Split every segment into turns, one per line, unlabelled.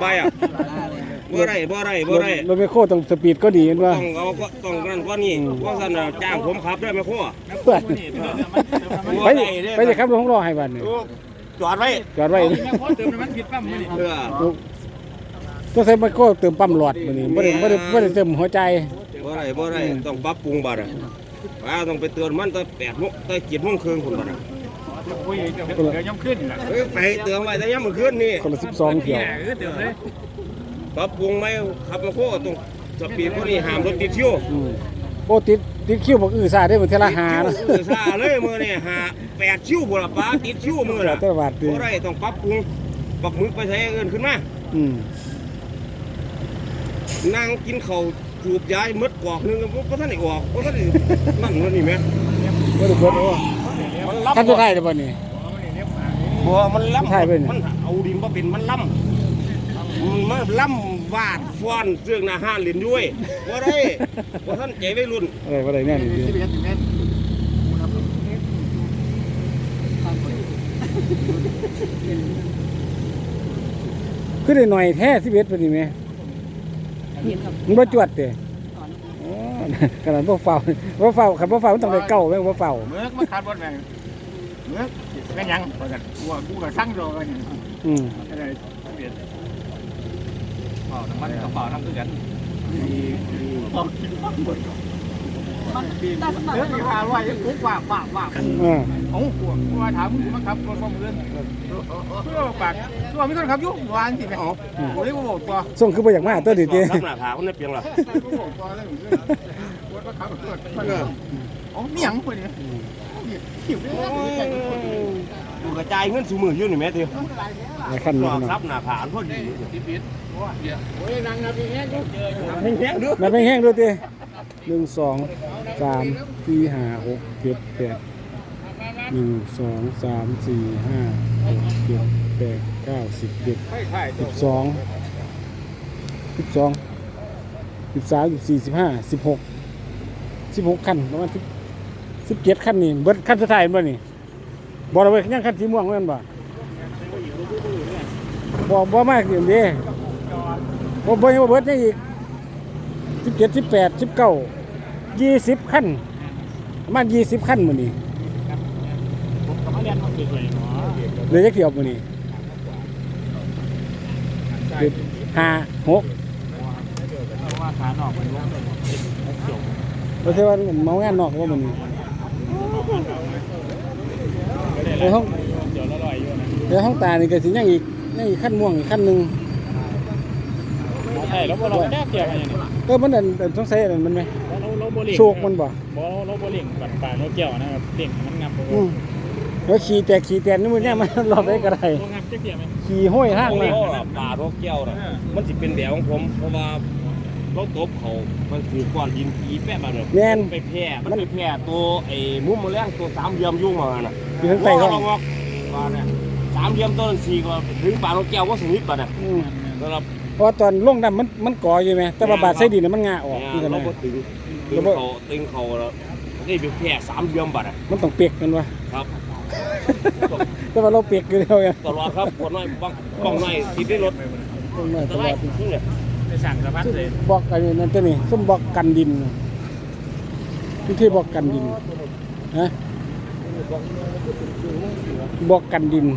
ไปอ่ะบ่ได้
รถไมคโครต้องสปีดก็ดีว่า
ต้องเอาก็ต้องนั่นก็นี่เพราะฉะนั้นจ้างผมขับได้ไมคโคร
ไปจะขับรถของรอให้บัดนี่
จอดไว้
แม่โคตรเติมน้ำมันผิดปั๊มมื้อนี้
ก็ใช้ไมคโครเติมปั๊มหลอดมื้อนี้บ่ได้เติมหัวใจ
บ่ได้ต้องปรับปรุงบัดอ่ะต้องไปเตือนมันตั้ง8 โมงตั้ง7 โมงครึ่งพุ่นบัดอ่ะ
คุยเดี๋ยวย่ำขึ้นล่ะ
ไปเตือนไว้แต่ยามมื้อคืนนี่
คนละ12เที่ยว
เติมเลย
ปรับปรุงไหมขับไมคโครต้องสปีดพวกนี้ห้ามรถติดคิว
โอ้ติดคิวบอกซาได้เหมือนเทละหานะ
ซาเลยมื้อนี้8 คิวพุ่นล่ะป้าติดคิวมื้อน่ะบ่ได้ต้องปรับปรุงปักหมึกไปใช้เอิ้นขึ้นมานั่งกินข้าวจูบยายมดกอกนึงบ่ทันได้ออกบ่ทันได้นั่นนี่แม่
บ่ได้เบิดโอ้ท่านจะได้ได้บ่นี่
บ่มันล้ำมันเอาดินบ่เป็นมันล้ำมันล้ำวาดฟ้อนเรื่องอาหารเล่นด้วยบ่ได้บ่ทันใจวัยรุ่น
บ่ได้แน่นี่คือได้หน่อยแท้11ปานนี้แม่มันบ่จวดเด้อ๋อขนาดบ่เฝ้าคันบ่เฝ้ามันต้องได้เก่าแม่บ่เฝ้า
เมื่อมาขาดบ่แม่งเมื่อแม่ยังว่าซั่นกูก็สั่งรอกันอะไรเปลี่ยนเป่าน้ำมันกับเป่าน้ำคือกันเป่ากินฟังหมดมันเรื่องราว่ายังปุ๊บว่าเอ้ากูว่าถามมึงมาขับรถความเรื่องเพื่อปากตัวมีคนขับอยู่วานสิแม่อ๋อโอ้ยกูบอกตัว
ส่งคือบ่อยากมาตัวดิติ
รับหน้าผาคนนั้นเปียงล่ะ
กูบอกตัวแล้วกูว่าขับรถอ๋อมีหยังเพิ่นนี่หิว
ดูกระจายเงินสู่มืออยู่นี่แม่ติ
คันนี้
รับหน้าผาพอดี
ปิดโอ้ยนางนาพี่แห้ง
แห้งดู
นับแห้งดูติ1 2 3 4 5 6 7 8 1 2 3 4 5 6 7 8 9 10 11 12 13 14 15 16คันประมาณ17คันนี่เบิดคันสุดท้ายบ่นี่บ่ได้เว้ยยังคันสีม่วงแม่นบ่มากเด้บ่เบิดยังอีก17 18 19 20คันประมาณ20คันมื้อนี้
ผมก็มาเรียนมาสวยๆเนาะ
เลยจักเที่ยวมื้อนี้5 6
ว่าขานอกมันลงจบ
บ่ใช่ว่าเมางานนอกว่ามื้อนี้ในห้อง
เดี๋ยวละลอยอยู่นะ
ในห้องตานี่ก็สิยังอีกคันม่วงอีกคันนึง
ใช่แล้วเราแก้เกี่ยวกันอย่างนี้
มันสงสัยอันมันไหม
เราโบลิ่ง
โชคมันบ่
เราโบลิ่งปัดป่าเราเกี่ยวนะครับเล่งมันงับ
แล้วขี่แตกนี่มันเนี่ยมันรอบได้ก็ได้ขี่ห้อยห้างเลย
ป่าโรคแก้วนะมันสิเป็นแบบของผมเพราะว่าเราตบเขามันถือก้อนดินอีแปะมาเลยไปแพร่มันไปแพร่ตัวไอ้มุ้มแมลงตัว3 เหลี่ยมยุ่งมาน่ะ
อยู่ข้างใต้ก็
ว่าเนี่ย3 เหลี่ยมต้น4ก็ถึงป่าโรคแก้วก็สนิทบัดน่ะครับ
เพราะตอนลงน้ำมันก่ออยู่ไหมแต่ว่าบาดใส่ดินมันงาออก
นี่กันนะเราตึงเขาแล้วนี่เป็นแพร่3 เหลี่ยมบัดน่ะ
มันต้องเปียกกันวะ
ครับ
แต่ว่าเราเปียกอยู่แล้วไง
ตลอดครับปวดน้อยบ้องน้อยติดในรถ
ตลอด
เนี่ย
ไปสั่งสะพัดเลย
บอกอะไรนั่นตัวนี้ส้มบอกกันดินที่บอกกันดินฮะบอกกันดิน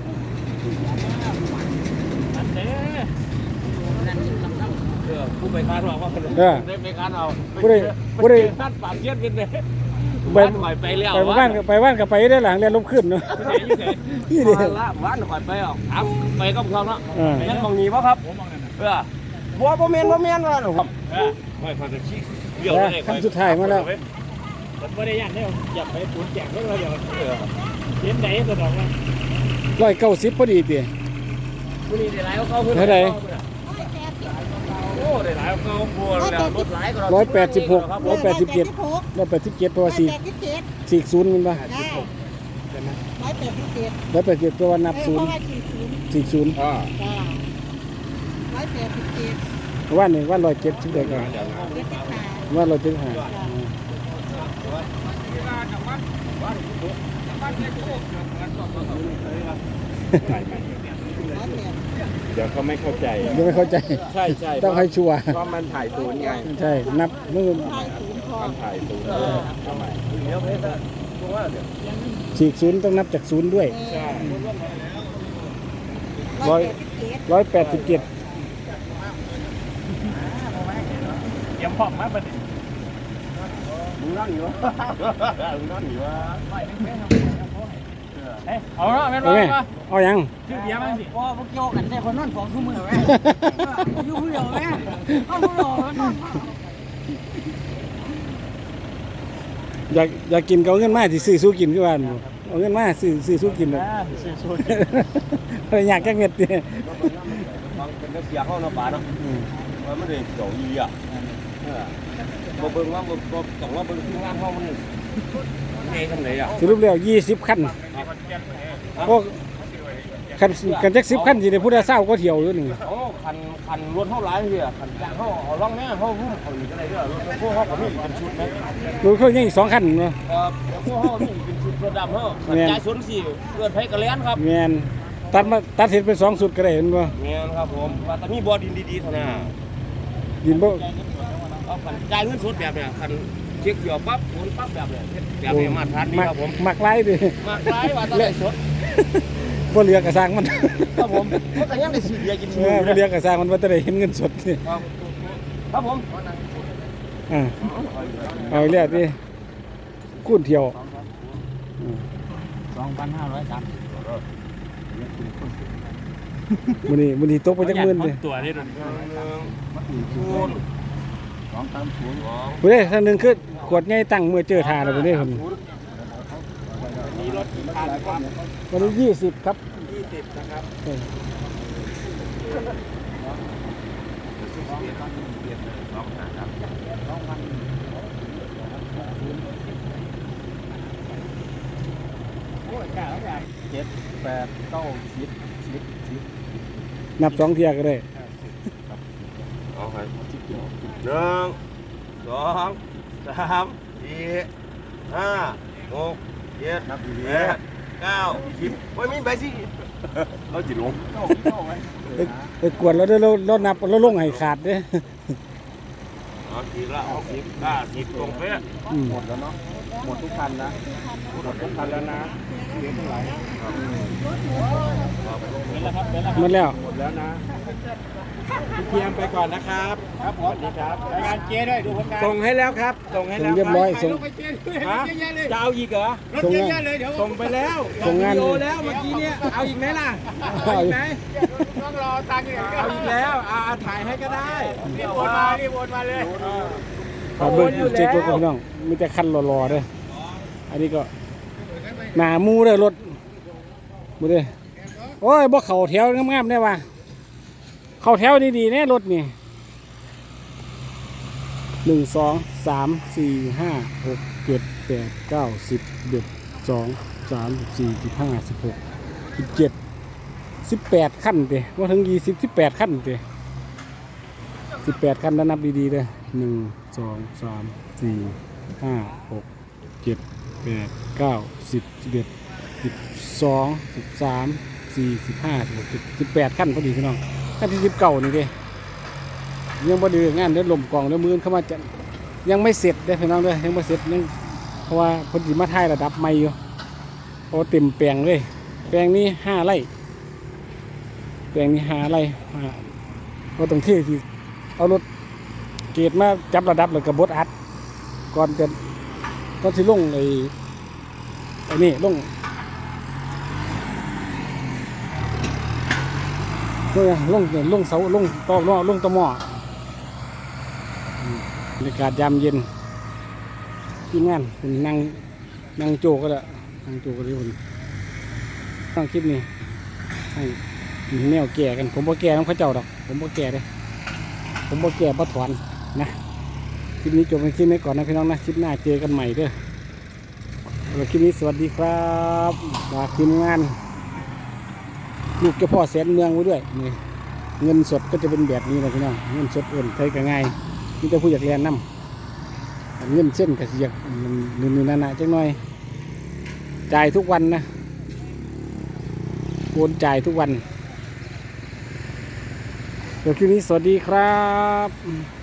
ผู้ไปค้านเอาว่าได้ไปค้านเอา
ผู้ได้
ค้านปากเย็นเป็นเลยไปแล้ว
ไปบ้านกับไปได้หลังเรียนลบขึ้นเนาะ
นี่ดิบ้านก่อนไปออกไปก็พร้อมแล้วนั่นมองนี้ป่ะครับบัวเมียนว่าหนูครับไม่พอจะชี้เดี่ยว
ได้ขั้นสุดท้ายมาแล้ว
ผมไม่ได้ยันได้อย่าไปปูนแจกเรื่องเดียวเห็นไหนตัวดอกนะ
190พอดีตี
บุรีได้หลายเขาเ
ท่าไหร่
โอ้ได้หลายเขาบัวแล้วรถหลายก็
186 187ตัว40มันป่ะ187ตัวนับ040ว่า170ได้ก่อนว่า175
เดี๋ยวเขาไม่เข้าใจ
ยังไม่เข้าใจ
ใช่ใช่
ต้องให้ชัวร์
เพราะมันถ่ายศูนย์ไง
ใช่นับมือ
มันถ่ายศูนย์ทำไม
เดี๋ยวเพชรตรงว่าเดี๋ยว
ฉีกศูนย์ต้องนับจากศูนย์ด้วย
ใช่
187
เตรียมพร้อมมาบัดนี้
มึงนั่งอยู่วะมึงนั่งอยู่วะ
เอาเนาะแม่น
เอา
บ่
ไหม
แม่นบ่
เอายัง
ชื่อเบียร์มั้งสิ
ว่าพวกโยกันได้คนนอนสองชั่วโมงแม่อยู่ผู้เดียวแม่เอาผู้เดียวนอน
อยากกินก็เอาเงินมาสิซื้อสู้กินคือว่าบ่เอาเงินมาซื้อสู้กินเลย
ชื่อสูตร
อยากจักเม็ดเด้
บางเป็นเสียเข้าหน้าป่าเนาะมันเลยเกี่ยวอีอ่ะบ่เบิ่งว่าบ่ต้องว่าเบิ่งที่งานเฮามันเองทำไหนอ่ะ
สรุปแล้ว20คันพวกคันจัก10คันสิได้ผู้ใดเศร้าก็เที่ยวอยู่นี่
โอ้คันรถเฮาหลายเหี้ยคันจ้างเฮาเอาล่องแน่เฮาหุ้มเขาอีกอะไรเด้อรถพวกเฮาก็มีเป็นชุดมั้ย
รถเขายังอีก2คันเนาะ
พวกเฮามีเป็นชุดรถดำเฮาจ่ายสนสิเกิดไผกระแลนครับ
แม่นตัดเห็ดเป็น2สุดก็ได้เห็นบ่
แม่นครับผมว่าแต่มีบ่อดินดีๆเท่านั้น
ยินบ่
เอาคันจ่ายเงินสดแบบเนี้ยคันเช็คเกี่ยวปั๊บโอนปั๊บแบบเนี้ยแบบนี้มาทานนี่ครับผม
มักหลายดิ
มากหลายว่าแตได้สด
บ่เหลือกระสร้างมัน
ครับผมก็ยังได้ซื้อเบียร์กิน
เออบ่เหลือกระสร้างมันว่าจะได้เห็นเงินสดนี่
ครับผม
เอาอีกแล้วดิคูณเที่ยว
2,503
มื้อนี้ตกไปจักหมื่นดิ
ตัวนี่โดน
คูณ
บ่ได้ท่านหนึงคือขวดใหญ่ตั้งเมื่อเจอทาแล้วบ่ได้เพิ่น
มีรถกี่คันครับ
วันนี้20ครับ
20นะครับ
เออ
7 8 9 10
นับ2เที่ยก็ได้
เอาให้1 2 3 4 5 6 7 8 9 10โอ้ยมีใบสิเราจิลง
ไปกวดแล้วเด้อเรานับเราลงให้ขาดเด้อ
เอาทีละ60 50ตรงเป๊ะ
หมดแล้วเนาะหมดทุกคันนะหมดทุกคันแล้วนะเหลือเท่าไหร่เป็นแล้วครับเป็นแล้ว
หมดแล้ว
หมดแล้วนะพี่เพียมไปก่อนนะครับครับสวัสดีครับรายงานเจ๊ด้วยดูผลงานส่งให้แล้วครับส่งให้
ส่
แล้
ง
ว
เรียบร้อยส่ง
ฮะจะเอาอีกเหรอ
ส่งงาน
ส่งไปแล้ว
ส่งงาน
วิดีโอแล้วเมื่อกี้เนี่ยเอาอีกไหมล่ะ
เอาอีก
ไหมต้องรอตังค์เอาอีกแล้วถ่ายให้ก็ได้รีบโอนมาเลย
ขอเบิ่งเช็ครถกับพี่น้องมีแต่คันรอๆเด้ออันนี้ก็หน้าหมูเด้อรถบ่เด้อโอ้ยบ่เข้าแถวงามๆได้ว่ะเข้าแถวดีๆแน่รถนี่1 2 3 4 5 6 7 8 9 10 11 12 13 14 15 16 17 18คันเด้บ่ถึง20 18คันเด้18คันแล้วนับดีๆเด้อ1 2 3 4 5 6 7 8 9 10 11 12 13 14 15 16 18คันพอดีพี่น้องคันที่19นี่เด้ยังบ่ดื้องานเด้อลมกองเด้อมื้อเข้ามาจะยังไม่เสร็จเด้อพี่น้องเด้อยังบ่เสร็จยังเพราะว่าเพิ่นสิมาถ่ายระดับใหม่อยู่เพราะเต็มแปลงเลยแปลงนี้5ไร่แปลงนี้5ไร่บ่ต้องที่สิเอารถเกรดมาจับระดับแล้วก็บดอัดก่อนสิลงไอ้นี่ลงเสาลงต่อลงตะหม้อบรรยากาศยามเย็นที่งานคุณนั่งโจก็ได้นั่งโจก็ได้คุณตั้งคลิปนี้ให้แนวแก่กันผมบ่แก่น้องพระเจ้าดอกผมบ่แก่เลยผมบ่แก่บ่ถอนนะคลิปนี้จบเป็นคลิปนี้ก่อนนะพี่น้องนะคลิปหน้าเจอกันใหม่เด้อคลิปนี้สวัสดีครับฝากทีมงานลูกเจ้าพ่อแสนเมืองไว้ด้วยนี่เงินสดก็จะเป็นแบบนี้นะพี่น้องเงินสดเอื่นใช้ก็ง่ายนี่จะผู้อยากเรียนน้ำเงินเส้นกับเสียกนี่นาจังหน่อยจ่ายทุกวันนะโอนจ่ายทุกวันเดี๋ยวคืนนี้สวัสดีครับ